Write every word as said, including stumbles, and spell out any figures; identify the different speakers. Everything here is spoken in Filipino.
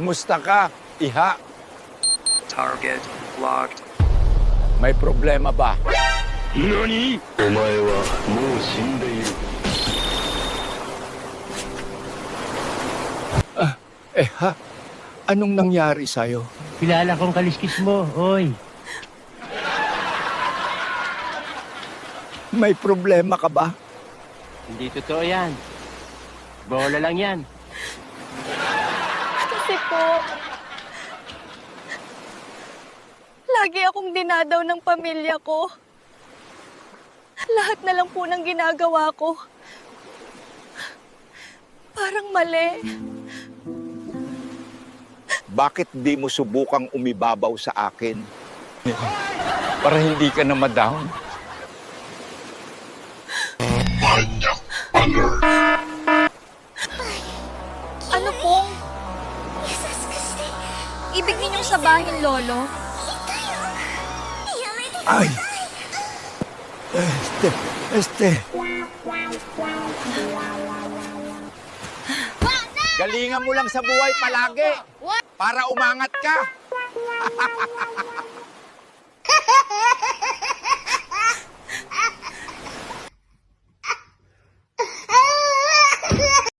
Speaker 1: Kumusta ka, iha?
Speaker 2: Target locked.
Speaker 1: May problema ba?
Speaker 3: NANI?! Omae wa mou shindeiru.
Speaker 1: Ah, eh ha? Anong nangyari sa'yo?
Speaker 4: Kilala kong kaliskis mo, oy.
Speaker 1: May problema ka ba?
Speaker 4: Hindi totoo yan. Bola lang yan.
Speaker 5: Kasi po, lagi akong dinadaw ng pamilya ko. Lahat na lang po ng ginagawa ko. Parang mali.
Speaker 1: Bakit di mo subukang umibabaw sa akin? Para hindi ka na ma-down.
Speaker 5: Ano pong? Ibig ninyong sabahin, Lolo?
Speaker 1: Ay! Este, este. Galingan mo lang sa buhay palagi. Para umangat ka.